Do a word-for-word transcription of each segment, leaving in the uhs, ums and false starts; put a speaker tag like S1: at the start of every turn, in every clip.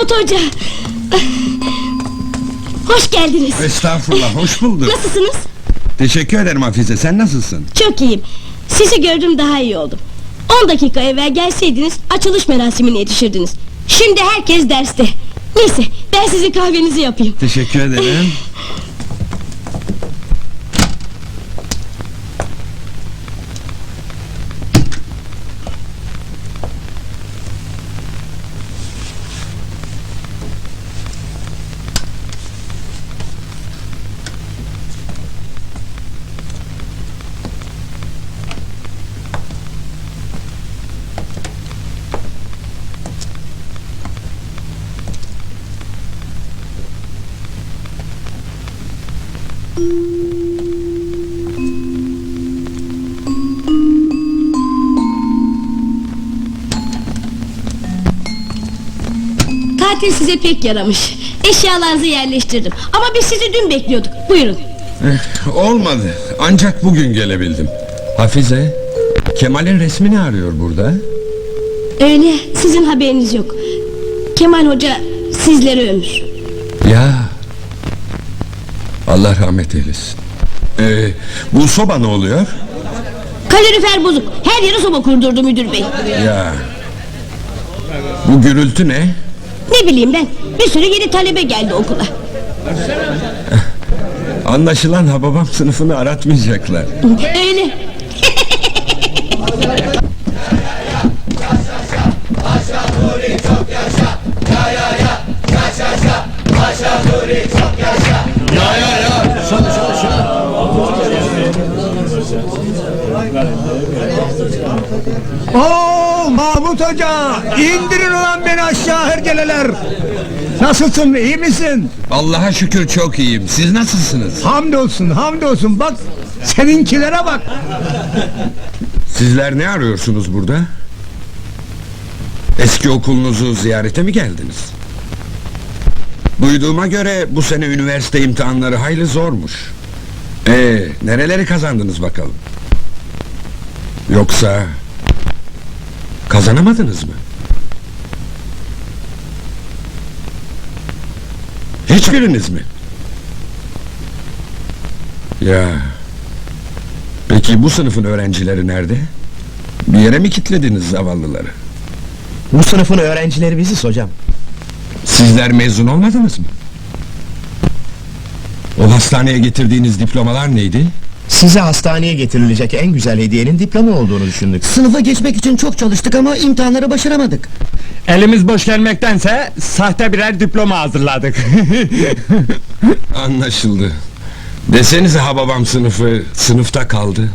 S1: Mahmut Hoca! Hoş geldiniz!
S2: Estağfurullah, hoş bulduk.
S1: Nasılsınız?
S2: Teşekkür ederim Hafize, sen nasılsın?
S1: Çok iyiyim. Sizi gördüm, daha iyi oldum. On dakika evvel gelseydiniz açılış merasimine yetişirdiniz. Şimdi herkes derste. Neyse, ben sizin kahvenizi yapayım.
S2: Teşekkür ederim.
S1: Tatil size pek yaramış. Eşyalarınızı yerleştirdim. Ama biz sizi dün bekliyorduk. Buyurun.
S2: Eh, olmadı, ancak bugün gelebildim. Hafize, Kemal'in resmini arıyor burada.
S1: Öyle, sizin haberiniz yok. Kemal Hoca sizlere ömür.
S2: Ya, Allah rahmet eylesin. Ee, bu soba ne oluyor?
S1: Kalorifer bozuk. Her yere soba kurdurdu müdür bey.
S2: Ya, bu gürültü ne?
S1: Ne bileyim ben, bir sürü yeni talebe geldi okula.
S2: Anlaşılan Hababam sınıfını aratmayacaklar.
S1: Öyle.
S3: Oo Mahmut Hoca, indirin ulan beni aşağı hergeleler. Nasılsın, iyi misin?
S2: Allah'a şükür çok iyiyim, siz nasılsınız?
S3: Hamdolsun, hamdolsun, bak seninkilere bak.
S2: Sizler ne arıyorsunuz burada? Eski okulunuzu ziyarete mi geldiniz? Duyduğuma göre bu sene üniversite imtihanları hayli zormuş. Ee, nereleri kazandınız bakalım? Yoksa kazanamadınız mı? Hiçbiriniz mi? Ya. Peki bu sınıfın öğrencileri nerede? Bir yere mi kilitlediniz zavallıları?
S4: Bu sınıfın öğrencileri biziz hocam.
S2: Sizler mezun olmadınız mı? O hastaneye getirdiğiniz diplomalar neydi?
S4: Size hastaneye getirilecek en güzel hediyenin diploma olduğunu düşündük.
S5: Sınıfa geçmek için çok çalıştık ama imtihanları başaramadık.
S6: Elimiz boş gelmektense sahte birer diploma hazırladık.
S2: Anlaşıldı. Desenize Hababam sınıfı sınıfta kaldı.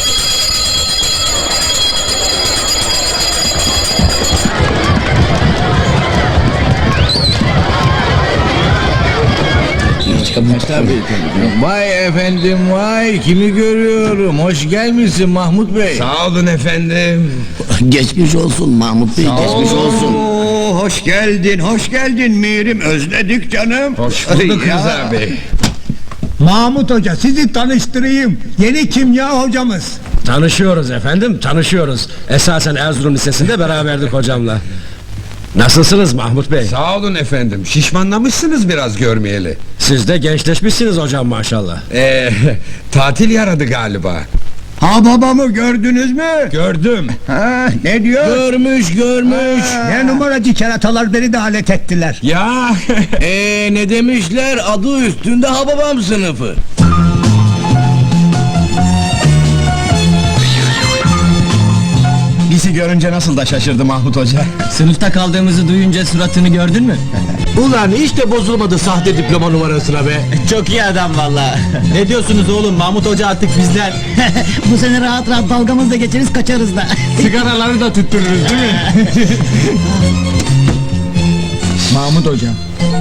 S7: Vay efendim vay, kimi görüyorum, hoş gelmişsin Mahmut Bey.
S2: Sağ olun efendim.
S5: Geçmiş olsun Mahmut Bey, geçmiş olsun.
S3: Oo, hoş geldin, hoş geldin Mirim, özledik canım.
S2: Hoş bulduk
S3: Ya.
S2: Rıza Bey.
S3: Mahmut Hoca, sizi tanıştırayım, yeni kimya hocamız.
S6: Tanışıyoruz efendim, tanışıyoruz. Esasen Erzurum Lisesi'nde beraberdik hocamla. Nasılsınız Mahmut Bey?
S2: Sağ olun efendim. Şişmanlamışsınız biraz görmeyeli.
S6: Siz de gençleşmişsiniz hocam maşallah.
S2: Ee, tatil yaradı galiba.
S3: Ha babamı gördünüz mü?
S2: Gördüm.
S3: Ha, ne diyor?
S7: Görmüş görmüş.
S3: Ne numaracı keratalar beni de alet ettiler.
S2: Ya.
S7: Eee ne demişler, adı üstünde Hababam sınıfı.
S4: Bizi görünce nasıl da şaşırdı Mahmut Hoca.
S5: Sınıfta kaldığımızı duyunca suratını gördün mü?
S6: Ulan hiç de bozulmadı sahte diploma numarasına be.
S5: Çok iyi adam valla. Ne diyorsunuz oğlum, Mahmut Hoca artık bizden. Bu sene rahat rahat dalgamızla geçeriz, kaçarız da.
S6: Sigaraları da tüttürürüz değil mi?
S5: Mahmut Hoca,